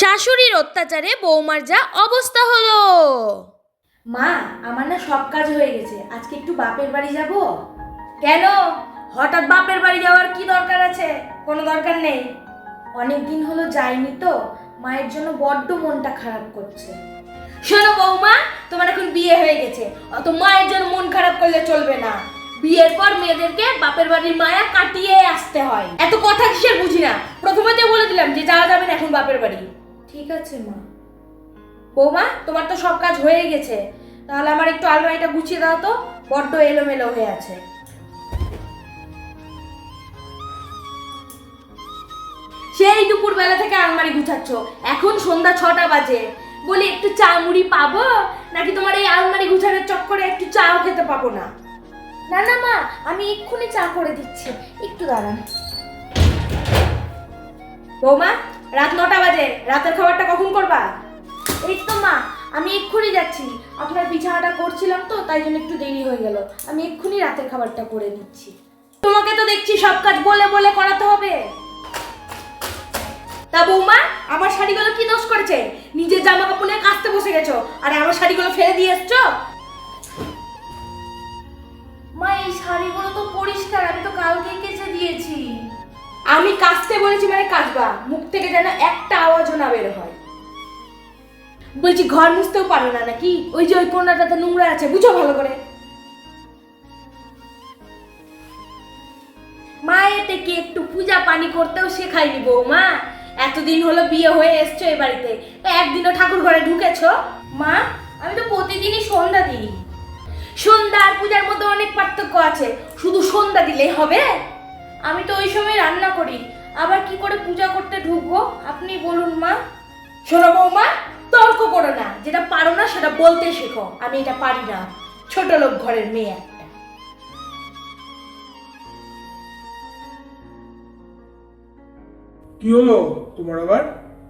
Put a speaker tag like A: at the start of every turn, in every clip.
A: শাশুড়ির অত্যাচারে বৌমার যা অবস্থা হলো।
B: মা, আমার না সব কাজ হয়ে গেছে, আজকে একটু বাপের বাড়ি যাব। কেন? হঠাৎ বাপের বাড়ি যাওয়ার কি দরকার আছে? কোনো দরকার নেই। অনেক দিন হলো যাইনি তো, মায়ের জন্য বড্ড মনটা খারাপ করছে। শোনো বৌমা, তোমার এখন বিয়ে হয়ে গেছে, অত মায়ের জন্য মন খারাপ করলে চলবে না। বিয়ের পর মেয়েদেরকে বাপের বাড়ির মায়া কাটিয়ে আসতে হয়। এত কথা কিসের বুঝি না, প্রথমে তো বলে দিলাম যে যাওয়া যাবে না এখন বাপের বাড়ি। ঠিক আছে মা। বৌমা, তোমার তো সব কাজ হয়ে গেছে, তাহলে আমার একটু আলমারিটা গুছিয়ে দাও তো, বড্ড এলোমেলো হয়ে আছে। সেই দুপুর বেলা থেকে আলমারি গুছাচ্ছ, এখন সন্ধ্যা 6টা বাজে। বলি একটু চা মুড়ি পাবো, নাকি তোমার এই আলমারি গুছানোর চক্করে একটু চাও খেতে পাবো না? না না মা, আমি এক্ষুনি চা করে দিচ্ছি, একটু দাঁড়ান। বৌমা, রাত 9টা বাজে, রাতের খাবারটা কখন করবা? এই তো মা, আমি এক্ষুনি যাচ্ছি। আপনার বিছানাটা করছিলাম তো, তাই জন্য একটু দেরি হয়ে গেল। আমি এক্ষুনি রাতের খাবারটা করে দিচ্ছি। তোমাকে তো দেখছি সব কাজ বলে বলে করাতে হবে। তা বৌমা, আমার শাড়িগুলো কি দোষ করেছে? নিজের জামা কাপড় নিয়ে কাচতে বসে গেছো, আর আমার শাড়িগুলো ফেলে দিয়ে এসছো। মা, এই শাড়িগুলো তো পরিষ্কার, আমি তো কালকেই কেচে দিয়েছি। আমি কাচতে বলেছি মানে কাচবা, মুখ থেকে যেন একটা আওয়াজও না বের হয়। বলছি ঘর মুছতেও পারো না নাকি? ওই যে ওই কোণাটাতে নোংরা আছে, বুঝো ভালো করে। মায়ের থেকে একটু পূজা পানি করতেও শেখায়নি বৌমা। এতদিন হলো বিয়ে হয়ে এসছো এই বাড়িতে, একদিনও ঠাকুর ঘরে ঢুকেছো? মা, আমি তো প্রতিদিনই সন্ধ্যা দিই। সন্ধ্যা আর পূজার মধ্যে অনেক পার্থক্য আছে, শুধু সন্ধ্যা দিলেই হবে? আমি তো ওই সময় রান্না করি, আবার কি করে পূজা করতে ঢুকবো আপনি বলুন মা। শোনো বৌমা, তর্ক করো না, যেটা পারো না সেটা বলতে শেখো। আমি এটা পারি না, ছোট লোক ঘরের মেয়ে একটা।
C: কি হলো তোমার আবার?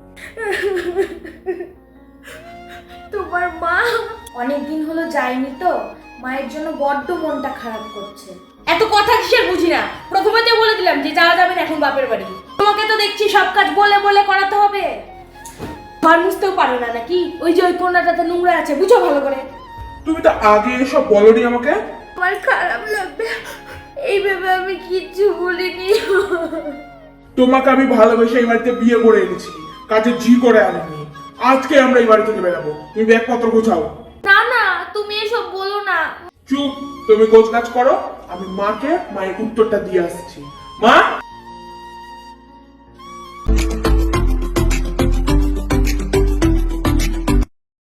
B: তোমার মা অনেকদিন হলো যায়নি তো, মায়ের জন্য বড্ড মনটা খারাপ করছে। এত কথা কিসের বুঝি না, প্রথমে তো বলে দিলাম যে যাওয়া যাবে না এখন বাপের বাড়ি। তোমাকে তো দেখছি সব কাজ বলে বলে করাতে হবে। ঘর মুছতেও পারো না নাকি? ওই যে ওই কোণাটাতে নোংরা আছে, বুঝো ভালো করে।
C: তুমি তো আগে এসব বলনি আমাকে।
B: আমার খারাপ লাগবে, এই ভেবে আমি কিচ্ছু বলিনি।
C: তোমাকে আমি ভালোবেসে এই বাড়িতে বিয়ে করে এনেছি, কাজে জি করে আনিনি। আজকে আমরা এই বাড়ি থেকে বেরাবো, তুমি ব্যাগপত্র গোছাও।
B: না না, তুমি এসব বলো না।
C: চুপ, তুমি গোছ কাজ করো, আমি মাকে মায়ের উত্তরটা দিয়ে আসছি। মা,